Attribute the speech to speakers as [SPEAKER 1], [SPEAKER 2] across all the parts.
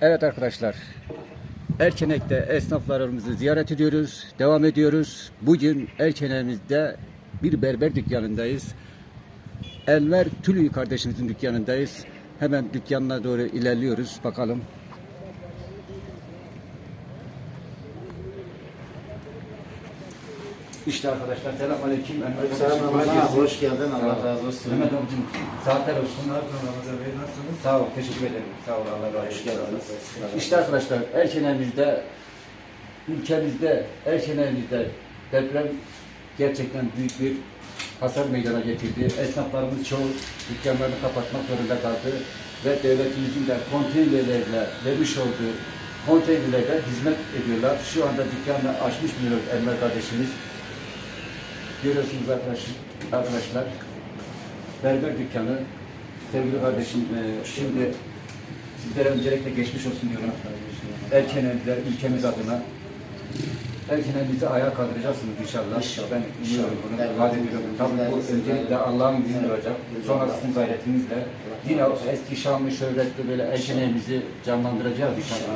[SPEAKER 1] Evet arkadaşlar, Erçenek'te esnaflarımızı ziyaret ediyoruz, devam ediyoruz. Bugün Erçenek'imizde bir berber dükkanındayız. Enver Tülü kardeşimizin dükkanındayız. Hemen dükkanına doğru ilerliyoruz, bakalım. İşte arkadaşlar, selamünaleyküm.
[SPEAKER 2] Selamünaleyküm. Hoş geldin. Allah razı olsun.
[SPEAKER 1] Mehmet abicim, saatler olsun.
[SPEAKER 3] Ramazan Bey nasılsınız?
[SPEAKER 1] Sağ ol, teşekkür ederim. Sağ ol, Allah razı olsun.
[SPEAKER 2] Hoş geldiniz.
[SPEAKER 1] İşte arkadaşlar, Erçenek'imizde, ülkemizde, Erçenek'imizde deprem gerçekten büyük bir hasar meydana getirdi. Esnaflarımız çoğu dükkanlarını kapatmak zorunda kaldı ve devletimizin de konteynerlerle vermiş olduğu konteynerlerde hizmet ediyorlar. Şu anda dükkanını açmış bulunuyor Enver kardeşimiz. Görüyorsunuz arkadaşlar, berber dükkanı. Sevgili kardeşim, şimdi sizlere öncelikle geçmiş olsun diyorum. Erçenekliler ülkemiz adına. Erçenekliğimizi ayağa kaldıracaksınız inşallah. Ben biliyorum bunu, vaat ediyorum. Tabii bu öncelikle Allah'ın izniyle olacak. Sonra sizin gayretinizle yine eski şanlı, şöhretli böyle Erçenekliğimizi canlandıracağız inşallah.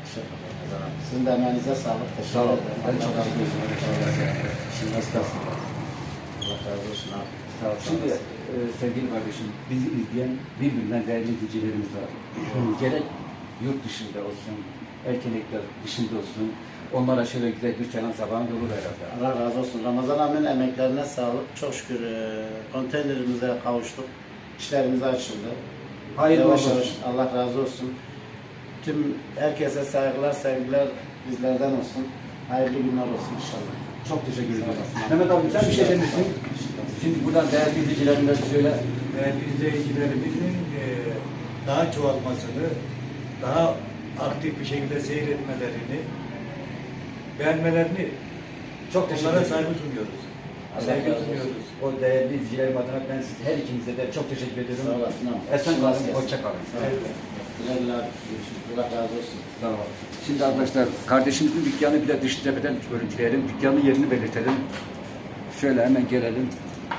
[SPEAKER 2] Sizin de emeğinize sağlık.
[SPEAKER 1] Sağ olun.
[SPEAKER 2] Teşekkür
[SPEAKER 1] Ben
[SPEAKER 2] ederim.
[SPEAKER 1] çok teşekkür ederim.
[SPEAKER 2] Şimdi estağfurullah. Allah razı olsun abi.
[SPEAKER 1] Sağ ol. Şimdi sevgili kardeşim, bizi izleyen birbirinden değerli izleyicilerimiz var. Gerek yurt dışında olsun, Erçenekler dışında olsun, onlara şöyle güzel bir selam sabahın olur herhalde.
[SPEAKER 2] Allah razı olsun. Ramazan abinin emeklerine sağlık. Çok şükür konteynerimize kavuştuk. İşlerimiz açıldı.
[SPEAKER 1] Hayırlı
[SPEAKER 2] Yavaş
[SPEAKER 1] olsun.
[SPEAKER 2] yavaş. Allah razı olsun. Tüm herkese saygılar, sevgiler bizlerden olsun. Hayırlı günler olsun inşallah.
[SPEAKER 1] Çok teşekkür ederim.
[SPEAKER 2] Sağ olun.
[SPEAKER 1] Mehmet abi sen bir şey demişsin. Şimdi buradan değerli izleyicilerimize söyle.
[SPEAKER 3] Değerli izleyicilerimizin daha çoğalmasını, daha aktif bir şekilde seyretmelerini, beğenmelerini
[SPEAKER 1] Çok teşekkür
[SPEAKER 3] onlara
[SPEAKER 1] ederim.
[SPEAKER 3] saygı sunuyoruz.
[SPEAKER 1] Allah
[SPEAKER 3] Saygı
[SPEAKER 1] razı olsun.
[SPEAKER 3] sunuyoruz.
[SPEAKER 1] O değerli izleyicilerim adına ben siz her ikinize de çok teşekkür ediyorum.
[SPEAKER 2] Sağ olasın abi.
[SPEAKER 1] Esen kalın, hoşça kalın.
[SPEAKER 3] Evet.
[SPEAKER 2] Güle güle abi. Görüşürüz. Allah razı olsun.
[SPEAKER 1] Tamam. Şimdi arkadaşlar kardeşimizin dükkanı bir de dış cepheden görüntüleyelim. Dükkanın yerini belirtelim. Şöyle hemen gelelim.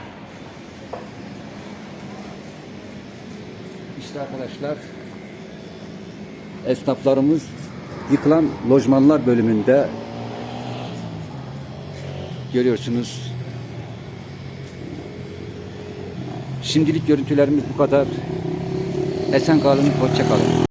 [SPEAKER 1] İşte arkadaşlar esnaflarımız yıkılan lojmanlar bölümünde görüyorsunuz. Şimdilik görüntülerimiz bu kadar. Esen kalın, hoşça kalın.